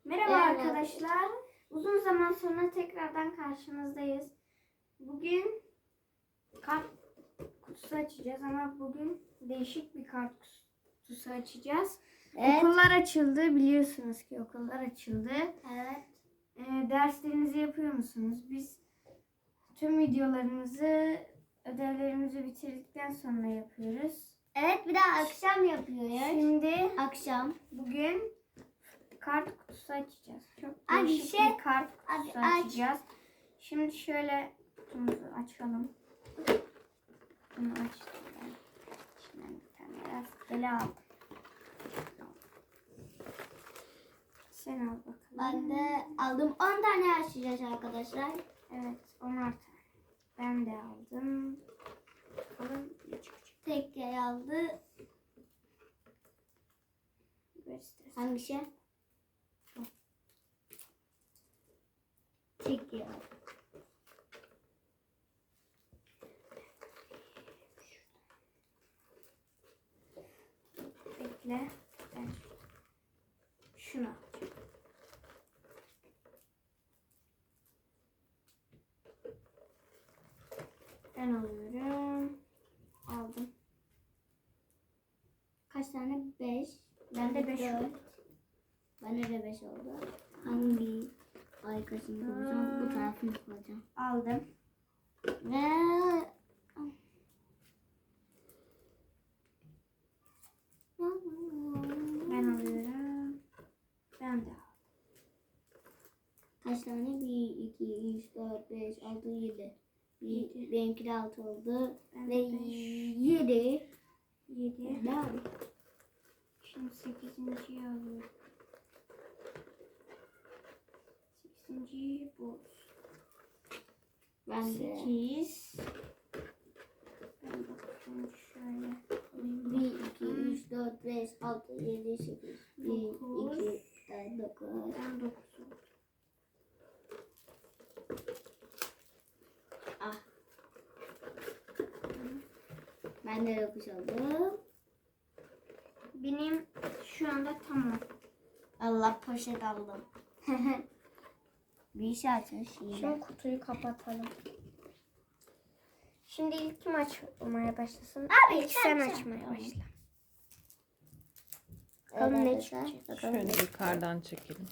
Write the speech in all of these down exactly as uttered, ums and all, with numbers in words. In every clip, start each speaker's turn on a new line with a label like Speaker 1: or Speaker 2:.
Speaker 1: Merhaba
Speaker 2: Evet.
Speaker 1: arkadaşlar. Uzun zaman sonra tekrardan karşınızdayız. Bugün kart kutusu açacağız ama bugün değişik bir kart kutusu açacağız.
Speaker 2: Evet.
Speaker 1: Okullar açıldı. Biliyorsunuz ki okullar açıldı.
Speaker 2: Evet.
Speaker 1: Ee, derslerinizi yapıyor musunuz? Biz tüm videolarımızı, ödevlerimizi bitirdikten sonra yapıyoruz.
Speaker 2: Evet, bir de akşam yapıyoruz.
Speaker 1: Şimdi
Speaker 2: Akşam.
Speaker 1: bugün kart kutusu açacağız. Çok
Speaker 2: Abi
Speaker 1: değişik
Speaker 2: şey-
Speaker 1: bir kart kutusu
Speaker 2: abi aç.
Speaker 1: açacağız. Şimdi şöyle kutumuzu açalım. Bunu açtım ben. İçinden bir tane rastgele al. Sen al bakalım.
Speaker 2: Ben de aldım. on tane açacağız arkadaşlar.
Speaker 1: Evet, onar tane. Ben de aldım. Bakalım ne çıkacak.
Speaker 2: Tek yer aldı.
Speaker 1: Göstersin.
Speaker 2: Hangisi? Tek yer aldı.
Speaker 1: Bekle. Ben şunu alacağım. Ben alıyorum. Aldım.
Speaker 2: Kaç tane? beş.
Speaker 1: Bende beş
Speaker 2: dört.
Speaker 1: oldu.
Speaker 2: Bende de beş oldu. Hangi arkasını koyacağım? Bu tarafını koyacağım.
Speaker 1: Aldım.
Speaker 2: Ve
Speaker 1: Ben alıyorum. Ben de aldım.
Speaker 2: kaç tane? bir, iki, üç, dört, beş, altı, yedi.
Speaker 1: Yedi.
Speaker 2: Benimki de altı oldu.
Speaker 1: Ben
Speaker 2: Ve
Speaker 1: de beş.
Speaker 2: yedi.
Speaker 1: Yedi.
Speaker 2: Ne?
Speaker 1: Şimdi sekizinciyi alıyorum. Sekizinciyi bu.
Speaker 2: Ben de.
Speaker 1: Sekiz. Ben bakıyorum şöyle.
Speaker 2: bir, iki, üç, dört, beş, altı, yedi, sekiz. bir,
Speaker 1: Dokuz.
Speaker 2: iki, üç, dokuz.
Speaker 1: Ben dokuz oldum.
Speaker 2: Ah. Ben de dokuz oldum.
Speaker 1: Benim şu anda tamam.
Speaker 2: Allah, poşet aldım. Bir şey açmış yine.
Speaker 1: Şimdi kutuyu kapatalım. Şimdi ilk kim açmaya başlasın?
Speaker 2: Abi,
Speaker 1: İlk
Speaker 2: sen
Speaker 1: sen
Speaker 2: sen.
Speaker 1: açmaya
Speaker 2: Tamam.
Speaker 1: başla. Bakalım ne
Speaker 2: Evet,
Speaker 1: çıkacak.
Speaker 2: bakalım.
Speaker 3: Şöyle yukarıdan çekelim.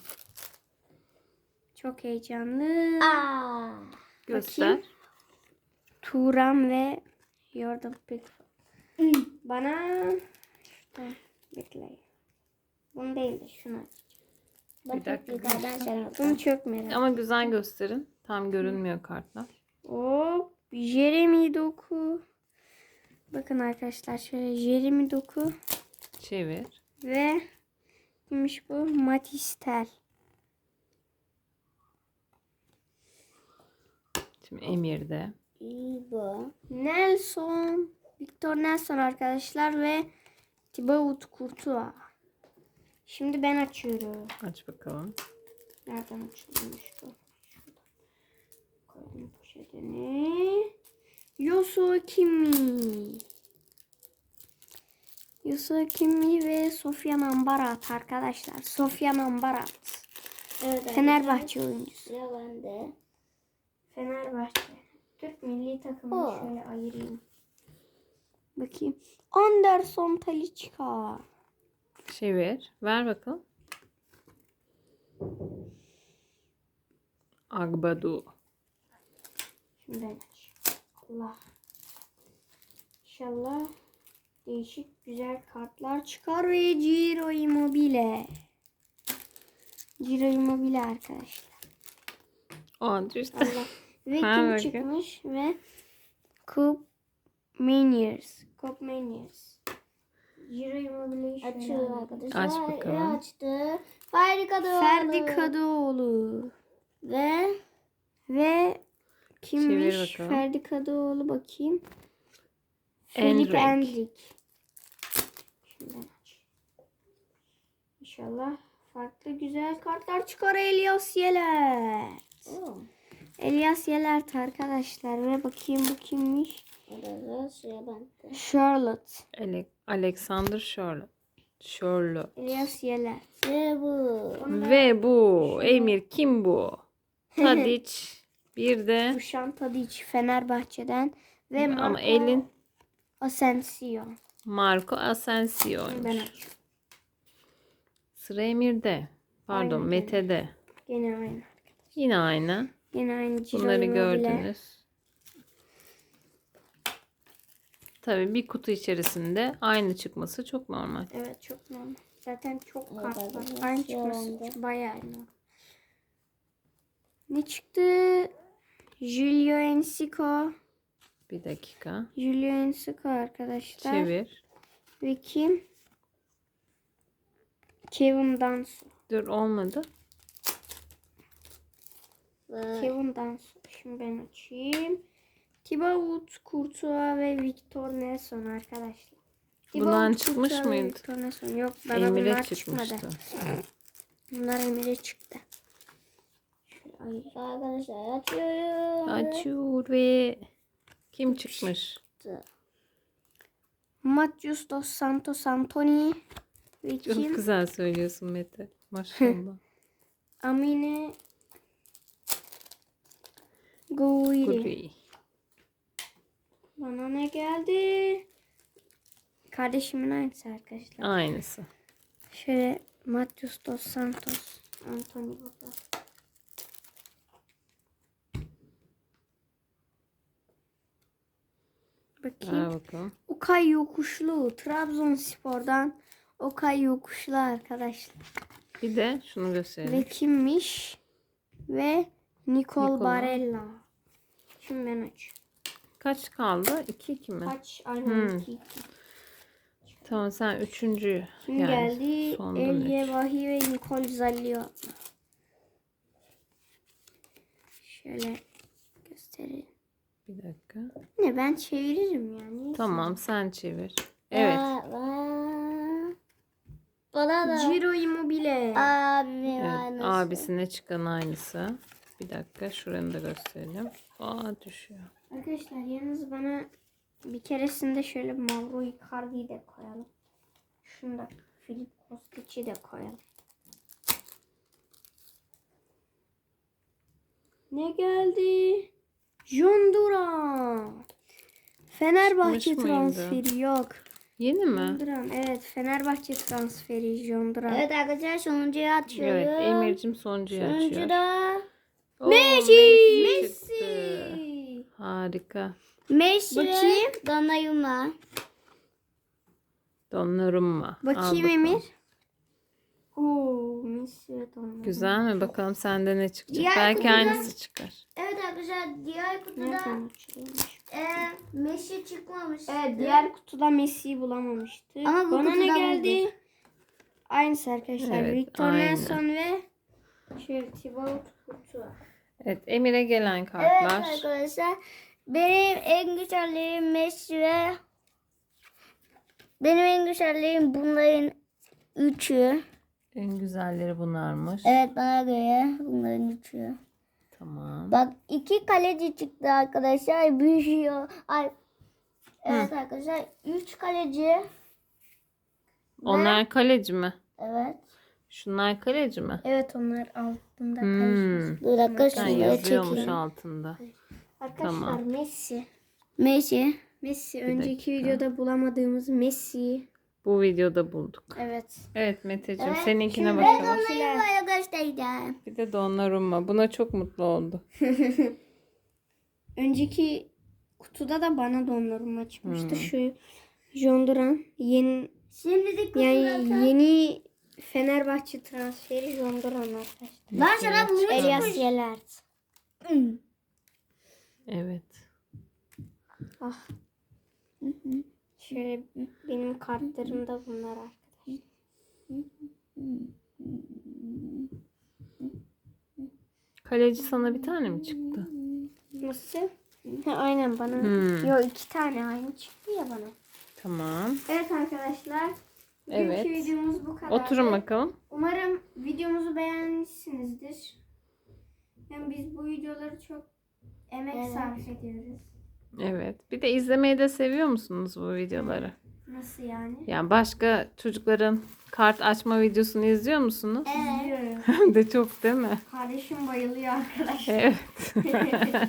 Speaker 1: Çok heyecanlı.
Speaker 2: Aa.
Speaker 3: Göster.
Speaker 1: Bakayım. Turan ve Jordan Pickford. Bana şurada bekleyin. Bunu değil de şunu aç.
Speaker 2: Bak,
Speaker 3: dakika,
Speaker 2: yukarıdan sen al.
Speaker 1: Bunu çok merak.
Speaker 3: Ama güzel gösterin. Tam görünmüyor kartlar.
Speaker 1: Hop, Jeremy Doku. Bakın arkadaşlar şöyle Jeremy Doku
Speaker 3: Çevir.
Speaker 1: ve kimmiş bu? Matistel.
Speaker 3: Şimdi Emir'de.
Speaker 2: İyi bu.
Speaker 1: Nelson, Victor Nelson arkadaşlar ve Thibaut Courtois. Şimdi ben açıyorum.
Speaker 3: Aç bakalım.
Speaker 1: Nereden açılmış bu? Şuradan. Koydum poşetini. Yosu Kimi. Yosu Kimi ve Sofyan Ambarat arkadaşlar. Sofyan Ambarat.
Speaker 2: Evet,
Speaker 1: Fenerbahçe oyuncusu.
Speaker 2: sıra bende.
Speaker 1: Fenerbahçe. Türk milli takımını
Speaker 2: Oo.
Speaker 1: şöyle ayırayım. Bakayım. Anderson Talisca.
Speaker 3: Çevir. Ver bakalım. Agbadu.
Speaker 1: Şimdi ben aç. Allah. İnşallah değişik güzel kartlar çıkar ve Ciro Immobile. Ciro Immobile arkadaşlar.
Speaker 3: O düştü.
Speaker 1: Allah. Ve
Speaker 3: Ha,
Speaker 1: kim
Speaker 3: bakayım.
Speaker 1: çıkmış ve Cup Maniers. Cup Maniers. Ciro Immobile'yi şöyle
Speaker 2: Açıyor
Speaker 1: alayım.
Speaker 2: arkadaşlar.
Speaker 3: Aç bakalım.
Speaker 2: Ve açtı. Ferdi Kadıoğlu.
Speaker 1: Ferdi Kadıoğlu.
Speaker 2: Ve
Speaker 1: Ve kimmiş?
Speaker 3: Çevir bakalım.
Speaker 1: Ferdi Kadıoğlu bakayım. Filip
Speaker 3: Endrick.
Speaker 1: Endrick. Şimdi aç. İnşallah farklı güzel kartlar çıkar. Elias Yeler.
Speaker 2: Oo.
Speaker 1: Elias Yelert arkadaşlar ve bakayım bu kimmiş?
Speaker 2: Orada sıra bende.
Speaker 1: Charlotte.
Speaker 3: Ale- Alexander Charlotte. Charlotte.
Speaker 1: Elias Yeler.
Speaker 2: Ve bu.
Speaker 3: Ve bu. Emir kim bu? Tadic. Bir de
Speaker 1: Dušan Tadić Fenerbahçe'den ve
Speaker 3: ama
Speaker 1: Marco
Speaker 3: elin
Speaker 1: Asensio.
Speaker 3: Marco Asensio'ymuş.
Speaker 1: Ben açıyorum.
Speaker 3: Sıra Emir'de. Pardon
Speaker 1: Aynen.
Speaker 3: Mete'de.
Speaker 1: Gene aynı.
Speaker 3: Yine aynı.
Speaker 1: Yine aynı Ciro
Speaker 3: Bunları
Speaker 1: Immobile.
Speaker 3: gördünüz. Tabii bir kutu içerisinde aynı çıkması çok normal.
Speaker 1: Evet çok normal. Zaten çok
Speaker 2: Evet,
Speaker 1: kart var.
Speaker 2: arkadaşlar,
Speaker 1: Aynı
Speaker 2: şu
Speaker 1: çıkması
Speaker 2: anda.
Speaker 1: bayağı iyi. Ne çıktı? Julio Enciso.
Speaker 3: Bir dakika.
Speaker 1: Julio Enciso arkadaşlar.
Speaker 3: Çevir.
Speaker 1: Ve kim? Kevin Danso.
Speaker 3: Dur olmadı.
Speaker 2: Ve
Speaker 1: Kevin Danso. Şimdi ben açayım. Thibaut Courtois ve Victor Nelson arkadaşlar.
Speaker 3: Bundan
Speaker 1: Thibaut
Speaker 3: çıkmış
Speaker 1: Courtois ve
Speaker 3: mıydı?
Speaker 1: Victor Nelson. Yok bana
Speaker 3: Emir'e
Speaker 1: bunlar
Speaker 3: çıkmıştı.
Speaker 1: çıkmadı. Bunlar Emir'e çıktı. Şöyle ayırayım.
Speaker 2: arkadaşlar açıyorum.
Speaker 3: Açıyor ve kim çıkmış?
Speaker 1: Matheus Dos Santos Antony ve
Speaker 3: Çok
Speaker 1: kim?
Speaker 3: güzel söylüyorsun Mete. Maşallah.
Speaker 1: Amine Gouiri.
Speaker 3: Guri.
Speaker 1: Bana ne geldi? Kardeşimin aynısı arkadaşlar.
Speaker 3: Aynısı.
Speaker 1: Şöyle Matheus Dos Santos Antony burada. Bakayım.
Speaker 3: Ver bakalım.
Speaker 1: Okay Yokuşlu. Trabzonspor'dan Okay Yokuşlu arkadaşlar.
Speaker 3: Bir de şunu
Speaker 1: Ve
Speaker 3: gösterelim.
Speaker 1: kimmiş? Ve Nicole
Speaker 3: Nicola.
Speaker 1: Barella. Şimdi ben aç.
Speaker 3: Kaç kaldı? iki iki mi?
Speaker 1: Aç. Aynen.
Speaker 3: Hmm.
Speaker 1: iki iki.
Speaker 3: Tamam sen üçüncü.
Speaker 1: Kim
Speaker 3: yani
Speaker 1: geldi?
Speaker 3: sondan
Speaker 1: Elye
Speaker 3: üç.
Speaker 1: Vahi ve Nicole Zallio. Şöyle göstereyim.
Speaker 3: Bir dakika.
Speaker 1: Ne ben çeviririm yani.
Speaker 3: Tamam sen çevir. Evet.
Speaker 2: Ve- ve- Bana da.
Speaker 1: Ciro Immobile.
Speaker 2: Abimin
Speaker 3: Evet,
Speaker 2: aynısı.
Speaker 3: abisine çıkan aynısı. Bir dakika şuranı da gösterelim. Aa düşüyor.
Speaker 1: Arkadaşlar yalnız bana bir keresinde şöyle Mauro Icardi'yi de koyalım. Şunu da Filip Kostic'i de koyalım. Ne geldi? John Duran. Fenerbahçe
Speaker 3: Çıkmış mıydı?
Speaker 1: transferi yok.
Speaker 3: Yeni mi?
Speaker 1: John Duran. Evet Fenerbahçe transferi John Duran.
Speaker 2: Evet arkadaşlar sonuncuyu açıyorum.
Speaker 3: Evet Emir'cim sonuncuyu
Speaker 2: Sonuncu
Speaker 3: açıyor.
Speaker 2: da
Speaker 3: Oo,
Speaker 1: Messi.
Speaker 3: çıktı.
Speaker 1: Messi.
Speaker 3: Harika.
Speaker 2: Messi ve
Speaker 1: Bakayım.
Speaker 2: Donnarumma.
Speaker 3: Donnarumma. Al
Speaker 1: Bakayım
Speaker 3: bakalım.
Speaker 1: Emir. Oo, Messi ve Donnarumma.
Speaker 3: Güzel mi? Bakalım sende ne çıkacak.
Speaker 2: Diğer
Speaker 3: Belki
Speaker 2: kutuda-
Speaker 3: aynısı çıkar.
Speaker 2: Evet arkadaşlar diğer kutuda
Speaker 1: Nereden açılmış?
Speaker 2: e, Messi çıkmamış.
Speaker 1: Evet diğer kutuda Messi'yi bulamamıştık.
Speaker 2: Ama bu
Speaker 1: Bana ne
Speaker 2: kutuda
Speaker 1: geldi?
Speaker 2: bulduk.
Speaker 1: Aynısı arkadaşlar.
Speaker 3: Evet,
Speaker 1: Victor
Speaker 3: aynı.
Speaker 1: Nelson ve şöyle Thibaut Courtois.
Speaker 3: Evet Emir'e gelen
Speaker 2: Evet
Speaker 3: kartlar.
Speaker 2: arkadaşlar benim en güzellerim Messi ve benim en güzellerim bunların üçü.
Speaker 3: En güzelleri bunlarmış.
Speaker 2: Evet bana göre bunların üçü.
Speaker 3: Tamam.
Speaker 2: Bak iki kaleci çıktı arkadaşlar. Büyüyor. Ay. Evet arkadaşlar üç kaleci.
Speaker 3: Onlar kaleci mi?
Speaker 2: Evet.
Speaker 3: Şunlar kaleci mi?
Speaker 1: Evet onlar altında
Speaker 3: Hmm.
Speaker 1: karışmış.
Speaker 2: Bir dakika
Speaker 3: Ha,
Speaker 2: şunları
Speaker 3: yazıyormuş
Speaker 2: çekeyim.
Speaker 3: altında.
Speaker 1: Arkadaşlar
Speaker 3: Tamam.
Speaker 1: Messi.
Speaker 2: Messi.
Speaker 1: Messi önceki
Speaker 3: dakika.
Speaker 1: videoda bulamadığımız Messi.
Speaker 3: Bu videoda bulduk.
Speaker 1: Evet.
Speaker 3: Evet Meteciğim
Speaker 2: Evet,
Speaker 3: seninkine
Speaker 1: şimdi
Speaker 3: bakalım.
Speaker 2: Donnarumma'ya göstereceğim.
Speaker 3: Bir de Donnarumma. Buna çok mutlu oldu.
Speaker 1: Önceki kutuda da bana Donnarumma çıkmıştı.
Speaker 3: Hmm.
Speaker 1: Şu John Duran yeni
Speaker 2: Şimdi de
Speaker 1: yani
Speaker 2: kutuda
Speaker 1: yeni Fenerbahçe transferi John Duran arkadaşlar.
Speaker 2: ben sana bunu
Speaker 1: Elias
Speaker 2: çıkmış.
Speaker 1: Yelert.
Speaker 3: Evet.
Speaker 1: Ah. Şöyle benim kartlarım da bunlar arkadaşlar.
Speaker 3: Kaleci sana bir tane mi çıktı?
Speaker 1: Nasıl? Ha, aynen bana.
Speaker 3: Hmm.
Speaker 1: Yo iki tane aynı çıktı ya bana.
Speaker 3: Tamam.
Speaker 1: Evet arkadaşlar. Bugünkü
Speaker 3: Evet.
Speaker 1: videomuz bu kadar.
Speaker 3: Oturun bakalım.
Speaker 1: Umarım videomuzu beğenmişsinizdir. Yani biz bu videoları çok emek
Speaker 2: Evet.
Speaker 1: sarf ediyoruz.
Speaker 3: Evet. Bir de izlemeyi de seviyor musunuz bu videoları?
Speaker 1: Nasıl yani?
Speaker 3: Yani başka çocukların kart açma videosunu izliyor musunuz?
Speaker 1: İzliyorum.
Speaker 3: Hem de çok değil mi?
Speaker 1: Kardeşim bayılıyor arkadaşlar.
Speaker 3: Evet.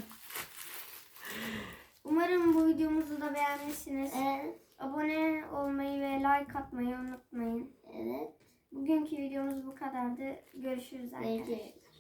Speaker 1: Umarım bu videomuzu da beğenmişsiniz.
Speaker 2: Evet.
Speaker 1: Abone olmayı ve like atmayı unutmayın.
Speaker 2: Evet.
Speaker 1: Bugünkü videomuz bu kadardı. Görüşürüz arkadaşlar.
Speaker 2: Görüşürüz.